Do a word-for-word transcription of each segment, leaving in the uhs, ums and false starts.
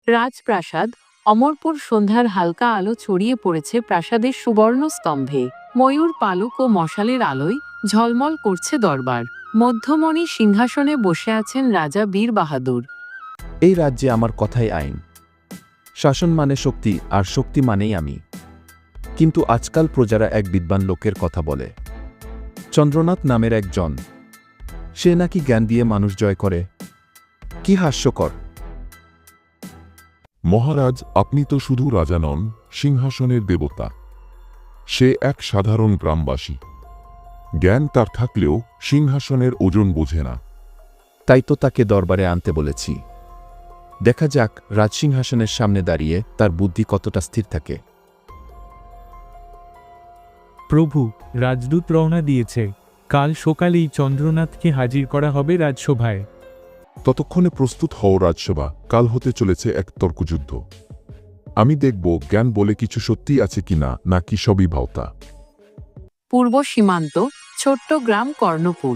রাজপ্রাসাদ অমরপুর সন্ধ্যার হালকা আলো ছড়িয়ে পড়েছে প্রাসাদের সুবর্ণ স্তম্ভে। ময়ূর পালক ও মশালের আলোয় ঝলমল করছে দরবার। মধ্যমণি সিংহাসনে বসে আছেন রাজা বীর বাহাদুর। এই রাজ্যে আমার কথাই আইন। শাসন মানে শক্তি, আর শক্তি মানেই আমি। কিন্তু আজকাল প্রজারা এক বিদ্বান লোকের কথা বলে, চন্দ্রনাথ নামের একজন। সে নাকি জ্ঞান দিয়ে মানুষ জয় করে। কি হাস্যকর! মহারাজ, আপনি তো শুধু রাজা নন, সিংহাসনের দেবতা। সে এক সাধারণ গ্রামবাসী। জ্ঞান তার থাকলেও সিংহাসনের ওজন বোঝে না। তাই তো তাকে দরবারে আনতে বলেছি। দেখা যাক রাজসিংহাসনের সামনে দাঁড়িয়ে তার বুদ্ধি কতটা স্থির থাকে। প্রভু, রাজদূত রওনা দিয়েছে। কাল সকালেই চন্দ্রনাথকে হাজির করা হবে রাজসভায়। ততক্ষণে প্রস্তুত হও রাজসভা, কাল হতে চলেছে এক তর্কযুদ্ধ। আমি দেখব জ্ঞান বলে কিছু সত্যি আছে কিনা, নাকি সবই ভাওতা। পূর্ব সীমান্ত, ছোট্ট গ্রাম কর্ণপুর।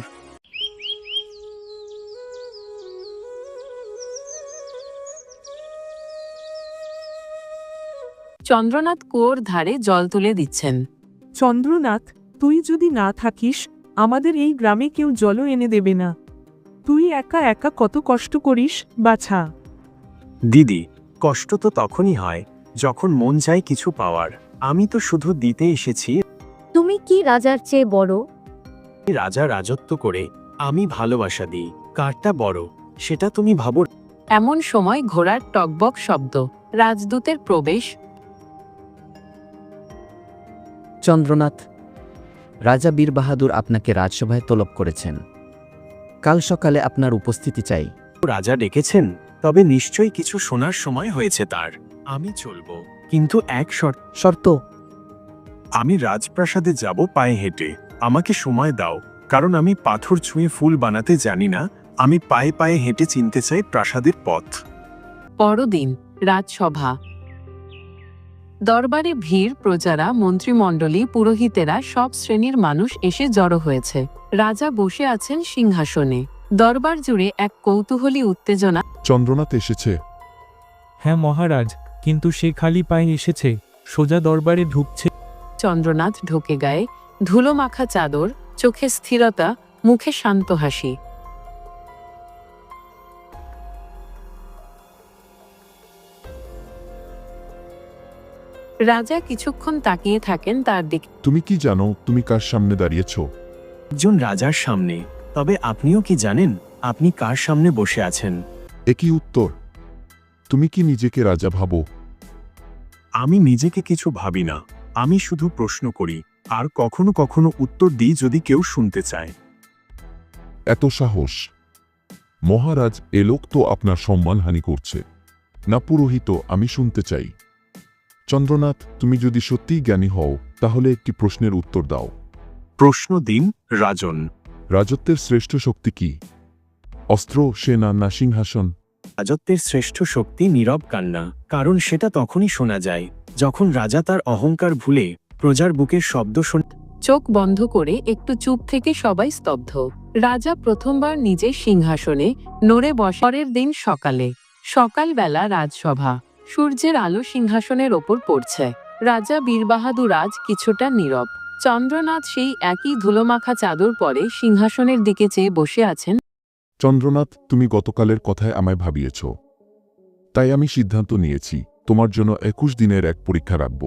চন্দ্রনাথ কুয়োর ধারে জল তুলে দিচ্ছেন। চন্দ্রনাথ, তুই যদি না থাকিস, আমাদের এই গ্রামে কেউ জলও এনে দেবে না। তুই একা একা কত কষ্ট করিস, বাছা। দিদি, কষ্ট তো তখনই হয় যখন মন চায় কিছু পাওয়ার। আমি তো শুধু দিতে এসেছি। তুমি কি রাজার চেয়ে বড়? রাজা রাজত্ব করে, আমি ভালোবাসা দিই। কারটা বড় সেটা তুমি ভাবো। এমন সময় ঘোড়ার টকবক শব্দ, রাজদূতের প্রবেশ। চন্দ্রনাথ, রাজা বীর বাহাদুর আপনাকে রাজসভায় তলব করেছেন। কাল সকালে আপনার উপস্থিতি চাই। রাজা ডেকেছেন, তবে নিশ্চয়ই কিছু শোনার সময় হয়েছে তার। আমি চলবো, কিন্তু এক শর্ত। শর্ত? আমি রাজপ্রাসাদে যাব পায়ে হেঁটে। আমাকে সময় দাও, কারণ আমি পাথর ছুঁয়ে ফুল বানাতে জানি না। আমি পায়ে পায়ে হেঁটে চিনতে চাই প্রাসাদের পথ। পরদিন রাজসভা। দরবারে ভিড়, প্রজারা, মন্ত্রিমণ্ডলী, পুরোহিতেরা, সব শ্রেণীর মানুষ এসে জড়ো হয়েছে। রাজা বসে আছেন সিংহাসনে। দরবার জুড়ে এক কৌতূহলী উত্তেজনা। চন্দ্রনাথ এসেছে। হ্যাঁ মহারাজ, কিন্তু সে খালি পায়ে এসেছে, সোজা দরবারে ঢুকছে। চন্দ্রনাথ ঢোকে গায়ে ধুলো মাখা চাদর, চোখে স্থিরতা, মুখে শান্ত হাসি। রাজা কিছুক্ষণ তাকিয়ে থাকেন তার দিকে। তুমি কি জানো তুমি কার সামনে দাঁড়িয়েছ? একজন রাজার সামনে। তবে আপনিও কি জানেন আপনি কার সামনে বসে আছেন? একই উত্তর। তুমি কি নিজেকে রাজা ভাবো? আমি নিজেকে কিছু ভাবি না। আমি শুধু প্রশ্ন করি, আর কখনো কখনো উত্তর দিই যদি কেউ শুনতে চায়। এত সাহস! মহারাজ, এ লোক তো আপনার সম্মানহানি করছে। না পুরোহিত, আমি শুনতে চাই। চন্দ্রনাথ, তুমি যদি সত্যিই জ্ঞানী হও, তাহলে একটি প্রশ্নের উত্তর দাও। প্রশ্ন দিন রাজন। রাজত্বের শ্রেষ্ঠ শক্তি কি? অস্ত্র, সেনা, না সিংহাসন? রাজত্বের শ্রেষ্ঠ শক্তি নীরব কান্না। কারণ সেটা তখনই শোনা যায় যখন রাজা তার অহংকার ভুলে প্রজার বুকের শব্দ শোনে। চোখ বন্ধ করে একটু চুপ থেকে সবাই স্তব্ধ। রাজা প্রথমবার নিজের সিংহাসনে নড়ে বসে। পরের দিন সকালে। সকালবেলা রাজসভা। সূর্যের আলো সিংহাসনের ওপর পড়ছে। রাজা বীরবাহাদুর আজ কিছুটা নীরব। চন্দ্রনাথ সেই একই ধুলোমাখা চাদর পরে সিংহাসনের দিকে চেয়ে বসে আছেন। চন্দ্রনাথ, তুমি গতকালের কথায় আমায় ভাবিয়েছ। তাই আমি সিদ্ধান্ত নিয়েছি, তোমার জন্য একুশ দিনের এক পরীক্ষা রাখব।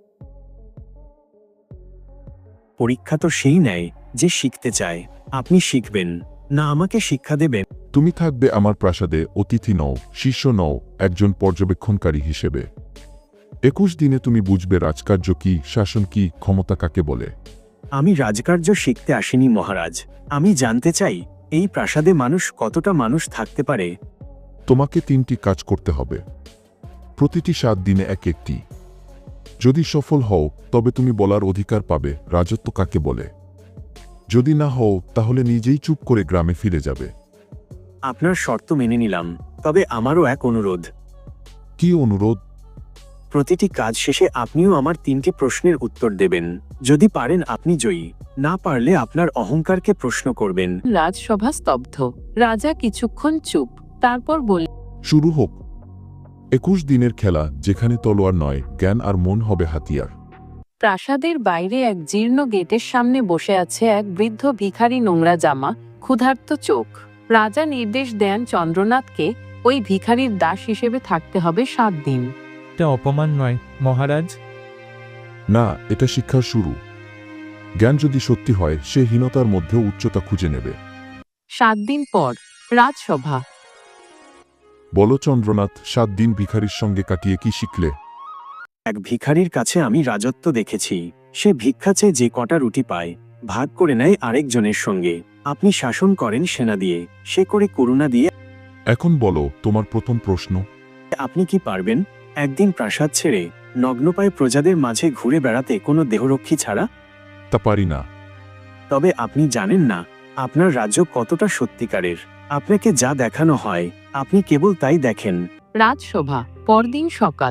পরীক্ষা তো সেই নেয় যে শিখতে চায়। আপনি শিখবেন না আমাকে শিক্ষা দেবেন? তুমি থাকবে আমার প্রাসাদে অতিথি নও, শিষ্য নও, একজন পর্যবেক্ষণকারী হিসেবে। একুশ দিনে তুমি বুঝবে রাজকার্য কি, শাসন কি, ক্ষমতা কাকে বলে। আমি রাজকার্য শিখতে আসিনি মহারাজ। আমি জানতে চাই এই প্রাসাদে মানুষ কতটা মানুষ থাকতে পারে। তোমাকে তিনটি কাজ করতে হবে, প্রতিটি সাত দিনে এক একটি। যদি সফল হও তবে তুমি বলার অধিকার পাবে রাজত্ব কাকে বলে। যদি না হও তাহলে নিজেই চুপ করে গ্রামে ফিরে যাবে। আপনার শর্ত মেনে নিলাম, তবে আমারও এক অনুরোধ। কি অনুরোধ? প্রতিটি কাজ শেষে আপনিও আমার তিনটি প্রশ্নের উত্তর দেবেন। যদি পারেন আপনি জয়ী, না পারলে আপনার অহংকারকে প্রশ্ন করবেন। রাজসভা স্তব্ধ। রাজা কিছুক্ষণ চুপ, তারপর বললেন, শুরু হোক। একুশ দিনের খেলা যেখানে তলোয়ার নয়, জ্ঞান আর মন হবে হাতিয়ার। প্রাসাদের বাইরে এক জীর্ণ গেটের সামনে বসে আছে এক বৃদ্ধ ভিখারি, নোংরা জামা, ক্ষুধার্ত চোখ। রাজা নির্দেশ দেন চন্দ্রনাথকে ওই ভিখারির দাস হিসেবে থাকতে হবে সাত দিন। এটা অপমান নয় মহারাজ? না, এটা শিক্ষার শুরু। জ্ঞান যদি সত্যি হয়, সে হীনতার মধ্যেও উচ্চতা খুঁজে নেবে। সাত দিন পর রাজসভা। বলো চন্দ্রনাথ, সাত দিন ভিখারির সঙ্গে কাটিয়ে কি শিখলে? এক ভিখারির কাছে আমি রাজত্ব দেখেছি। সে ভিক্ষা চেয়ে যে কটা রুটি পায় ভাগ করে নেয় আরেকজনের সঙ্গে। আপনি শাসন করেন সেনা দিয়ে, সে করে করুণা দিয়ে। এখন বলো তোমার প্রথম প্রশ্ন। আপনি কি পারবেন একদিন প্রাসাদ ছেড়ে নগ্নপায়ে প্রজাদের মাঝে ঘুরে বেড়াতে কোনো দেহরক্ষী ছাড়া? তা পারি না। তবে আপনি জানেন না আপনার রাজ্য কতটা সত্যিকারের। আপনাকে যা দেখানো হয় আপনি কেবল তাই দেখেন। রাজসভা। পরদিন সকাল।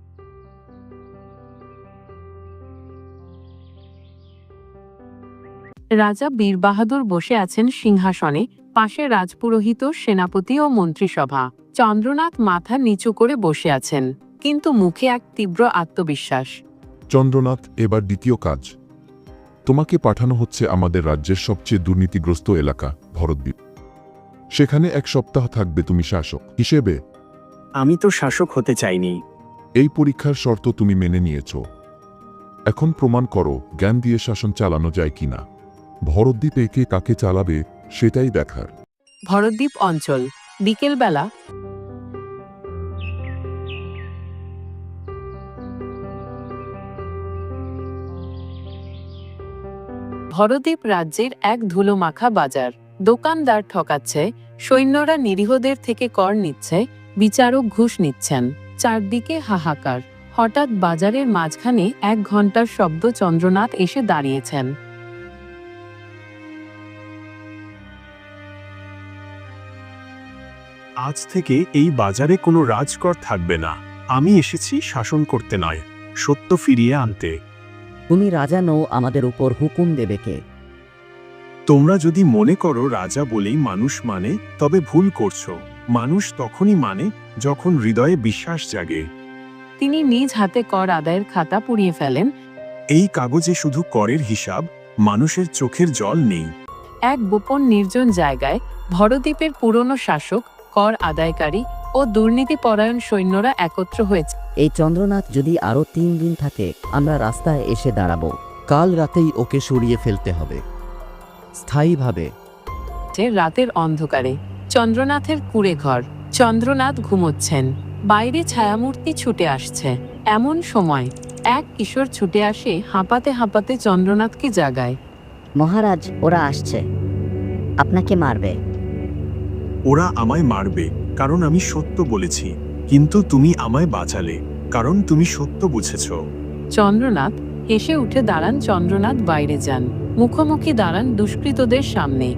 রাজা বীর বাহাদুর বসে আছেন সিংহাসনে, পাশে রাজপুরোহিত, সেনাপতি ও মন্ত্রিসভা। চন্দ্রনাথ মাথা নিচু করে বসে আছেন, কিন্তু মুখে এক তীব্র আত্মবিশ্বাস। চন্দ্রনাথ, এবার দ্বিতীয় কাজ। তোমাকে পাঠানো হচ্ছে আমাদের রাজ্যের সবচেয়ে দুর্নীতিগ্রস্ত এলাকা, ভরতদ্বীপ। সেখানে এক সপ্তাহ থাকবে তুমি শাসক হিসেবে। আমি তো শাসক হতে চাইনি। এই পরীক্ষার শর্ত তুমি মেনে নিয়েছ। এখন প্রমাণ করো জ্ঞান দিয়ে শাসন চালানো যায় কিনা। ভরতদ্বীপে কে কাকে চালাবে সেটাই দেখার। ভরতদ্বীপ অঞ্চল। বিকেলবেলা। ভরদ্বীপ রাজ্যের এক ধুলোমাখা বাজার। দোকানদার ঠকাচ্ছে, সৈন্যরা নিরীহদের থেকে কর নিচ্ছে, বিচারক ঘুষ নিচ্ছেন। চারদিকে হাহাকার। হঠাৎ বাজারের মাঝখানে এক ঘন্টার শব্দ। চন্দ্রনাথ এসে দাঁড়িয়েছেন। আজ থেকে এই বাজারে কোনো রাজকর থাকবে না। আমি এসেছি শাসন করতে নয়, সত্য ফিরিয়ে আনতে। তুমি রাজা নও, আমাদের উপর হুকুম দেবে কে? তোমরা যদি মনে করো রাজা বলেই মানুষ মানে, তবে ভুল করছো। মানুষ তখনই মানে যখন হৃদয়ে বিশ্বাস জাগে। তিনি নিজ হাতে কর আদায়ের খাতা পুড়িয়ে ফেলেন। এই কাগজে শুধু করের হিসাব, মানুষের চোখের জল নেই। এক গোপন নির্জন জায়গায় ভরদ্বীপের পুরনো শাসক, কর আদায়কারী ও দুর্নীতিপরায়ণ সৈন্যরা একত্র হয়েছে। এই চন্দ্রনাথ যদি আরো তিন দিন থাকে, আমরা রাস্তায় এসে দাঁড়াবো। কাল রাতেই ওকে সরিয়ে ফেলতে হবে, স্থায়ীভাবে। রাতের অন্ধকারে চন্দ্রনাথের কুঁড়ে ঘর। চন্দ্রনাথ ঘুমোচ্ছেন। বাইরে ছায়ামূর্তি ছুটে আসছে। এমন সময় এক কিশোর ছুটে আসে, হাঁপাতে হাঁপাতে চন্দ্রনাথকে জাগায়। মহারাজ, ওরা আসছে, আপনাকে মারবে। ওরা আমায় মারবে কারণ আমি সত্য বলেছি, কিন্তু তুমি আমায় বাঁচালে কারণ তুমি সত্য বুঝেছ। চন্দ্রনাথ হেসে উঠে দাঁড়ান। চন্দ্রনাথ বাইরে যান, মুখোমুখি দাঁড়ান দুষ্কৃতদের সামনে।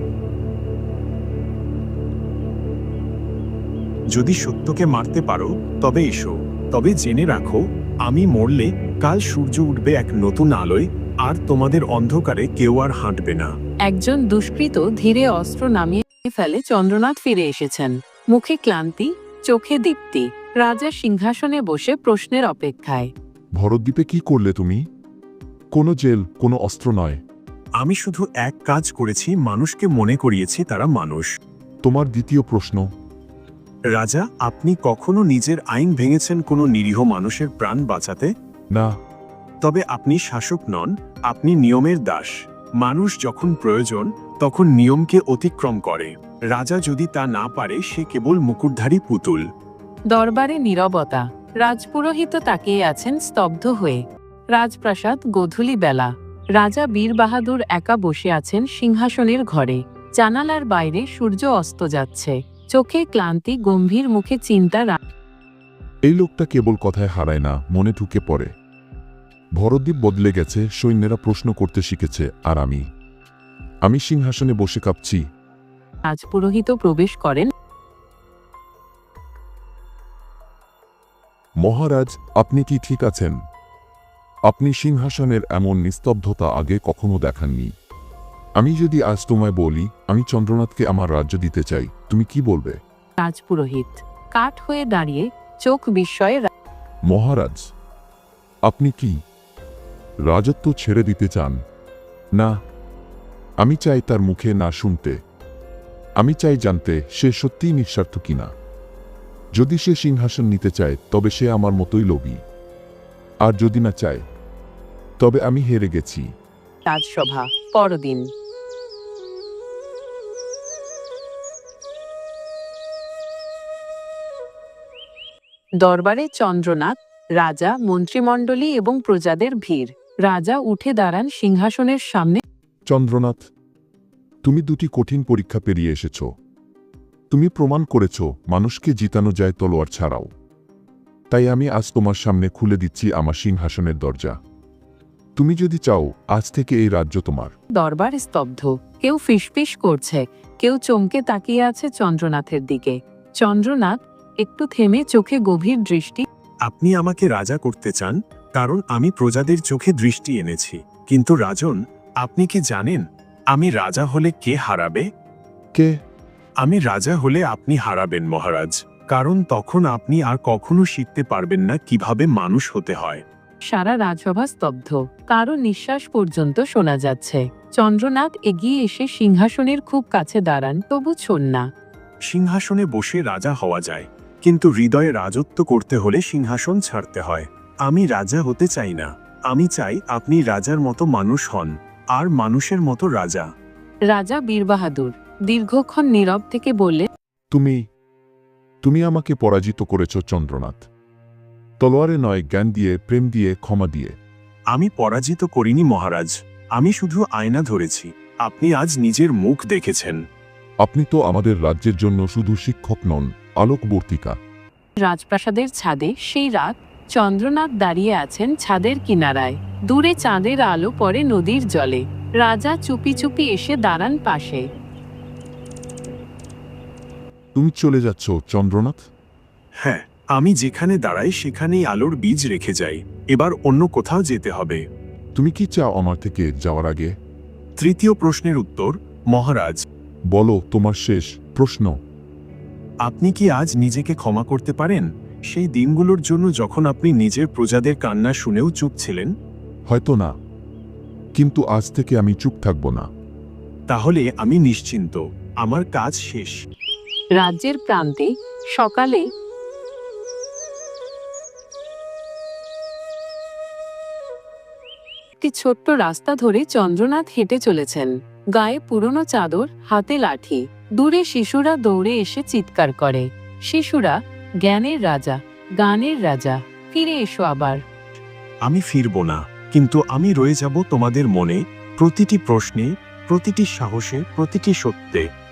যদি সত্যকে মারতে পারো তবে এসো, তবে জেনে রাখো আমি মরলে কাল সূর্য উঠবে এক নতুন আলোয়, আর তোমাদের অন্ধকারে কেউ আর হাঁটবে না। একজন দুষ্কৃত ধীরে অস্ত্র নামিয়ে ফেলে। চন্দ্রনাথ ফিরে এসেছেন, মুখে ক্লান্তি, চোখে দীপ্তি। রাজা সিংহাসনে বসে প্রশ্নের অপেক্ষায়। ভরতদ্বীপে কি করলে তুমি? কোনো জেল, কোনো অস্ত্র নয়। আমি শুধু এক কাজ করেছি, মানুষকে মনে করিয়েছি তারা মানুষ। তোমার দ্বিতীয় প্রশ্ন। রাজা, আপনি কখনো নিজের আইন ভেঙেছেন কোনো নিরীহ মানুষের প্রাণ বাঁচাতে? না। তবে আপনি শাসক নন, আপনি নিয়মের দাস। মানুষ যখন প্রয়োজন তখন নিয়মকে অতিক্রম করে। রাজা যদি তা না পারে, সে কেবল মুকুটধারী পুতুল। দরবারে নীরবতা। রাজপুরোহিত তাকিয়ে আছেন স্তব্ধ হয়ে। রাজপ্রাসাদ। গোধূলি বেলা। রাজা বীর বাহাদুর একা বসে আছেন সিংহাসনের ঘরে। জানালার বাইরে সূর্য অস্ত যাচ্ছে। চোখে ক্লান্তি, গম্ভীর মুখে চিন্তা। এই লোকটা কেবল কথায় হারায় না, মনে ঢুকে পড়ে। ভরতদ্বীপ বদলে গেছে, সৈন্যরা প্রশ্ন করতে শিখেছে, আর আমি আমি সিংহাসনে বসে কাঁপছি। রাজপুরোহিত প্রবেশ করেন। মহারাজ, আপনি কি ঠিক আছেন? আপনি সিংহাসনের এমন নিস্তব্ধতা আগে কখনো দেখাননি। আমি যদি আজ তোমায় বলি আমি চন্দ্রনাথকে আমার রাজ্য দিতে চাই, তুমি কি বলবে? রাজপুরোহিত কাঠ হয়ে দাঁড়িয়ে চোখ বিস্ময়ে রা- মহারাজ আপনি কি রাজত্ব ছেড়ে দিতে চান? না, আমি চাই তার মুখে না শুনতে। আমি চাই জানতে সে সত্যিই নিঃস্বার্থ কিনা। যদি সে সিংহাসন নিতে চায় তবে সে আমার মতোই লোভী, আর যদি না চায় তবে আমি হেরে গেছি। রাজসভা পরদিন দরবারে চন্দ্রনাথ, রাজা, মন্ত্রিমণ্ডলী এবং প্রজাদের ভিড়। রাজা উঠে দাঁড়ান সিংহাসনের সামনে। চন্দ্রনাথ, তুমি দুটি কঠিন পরীক্ষা পেরিয়ে এসেছ। তুমি প্রমাণ করেছ মানুষকে জিতানো যায় তলোয়ার ছাড়াও। তাই আমি আজ তোমার সামনে খুলে দিচ্ছি আমার সিংহাসনের দরজা। তুমি যদি চাও আজ থেকে এই রাজ্য তোমার। দরবার স্তব্ধ, কেউ ফিসফিস করছে, কেউ চমকে তাকিয়ে আছে চন্দ্রনাথের দিকে। চন্দ্রনাথ একটু থেমে চোখে গভীর দৃষ্টি। আপনি আমাকে রাজা করতে চান কারণ আমি প্রজাদের চোখে দৃষ্টি এনেছি, কিন্তু রাজন, আপনি কি জানেন আমি রাজা হলে কে হারাবে? কে? আমি রাজা হলে আপনি হারাবেন মহারাজ, কারণ তখন আপনি আর কখনো শিখতে পারবেন না কিভাবে মানুষ হতে হয়। সারা রাজসভা স্তব্ধ, কারো নিঃশ্বাস পর্যন্ত শোনা যাচ্ছে। চন্দ্রনাথ এগিয়ে এসে সিংহাসনের খুব কাছে দাঁড়ান, তবু ছোন না। সিংহাসনে বসে রাজা হওয়া যায়, কিন্তু হৃদয়ে রাজত্ব করতে হলে সিংহাসন ছাড়তে হয়। আমি রাজা হতে চাই না, আমি চাই আপনি রাজার মতো মানুষ হন, আর মানুষের মতো রাজা। রাজা বীরবাহাদুর দীর্ঘক্ষণ নীরব থেকে বললে, তুমি তুমি আমাকে পরাজিত করেছ চন্দ্রনাথ। তলোয়ারে নয়, জ্ঞান দিয়ে, প্রেম দিয়ে, ক্ষমা দিয়ে। আমি পরাজিত করিনি মহারাজ, আমি শুধু আয়না ধরেছি। আপনি আজ নিজের মুখ দেখেছেন। আপনি তো আমাদের রাজ্যের জন্য শুধু শিক্ষক নন, আলোকবর্তিকা। রাজপ্রাসাদের ছাদে সেই রাত। চন্দ্রনাথ দাঁড়িয়ে আছেন ছাদের কিনারায়। দূরে চাঁদের আলো পড়ে নদীর জলে। রাজা চুপি চুপি এসে দাঁড়ান পাশে। তুমি চলে যাচ্ছ চন্দ্রনাথ? হ্যাঁ, আমি যেখানে দাঁড়াই সেখানেই আলোর বীজ রেখে যাই। এবার অন্য কোথাও যেতে হবে। তুমি কি চাও আমার থেকে যাওয়ার আগে? তৃতীয় প্রশ্নের উত্তর মহারাজ। বলো তোমার শেষ প্রশ্ন। আপনি কি আজ নিজেকে ক্ষমা করতে পারেন সেই দিনগুলোর জন্য যখন আপনি নিজের প্রজাদের কান্না শুনেও চুপ ছিলেন? হয়তো না, কিন্তু আজ থেকে আমি চুপ থাকব না। তাহলে আমি নিশ্চিন্ত, আমার কাজ শেষ। রাজ্যের প্রান্তে সকালে একটি ছোট্ট রাস্তা ধরে চন্দ্রনাথ হেঁটে চলেছেন। গায়ে পুরনো চাদর, হাতে লাঠি। দূরে শিশুরা দৌড়ে এসে চিৎকার করে। শিশুরা, জ্ঞানের রাজা, গানের রাজা, ফিরে এসো আবার। আমি ফিরব না, কিন্তু আমি রয়ে যাব তোমাদের মনে, প্রতিটি প্রশ্নে, প্রতিটি সাহসে, প্রতিটি সত্যে।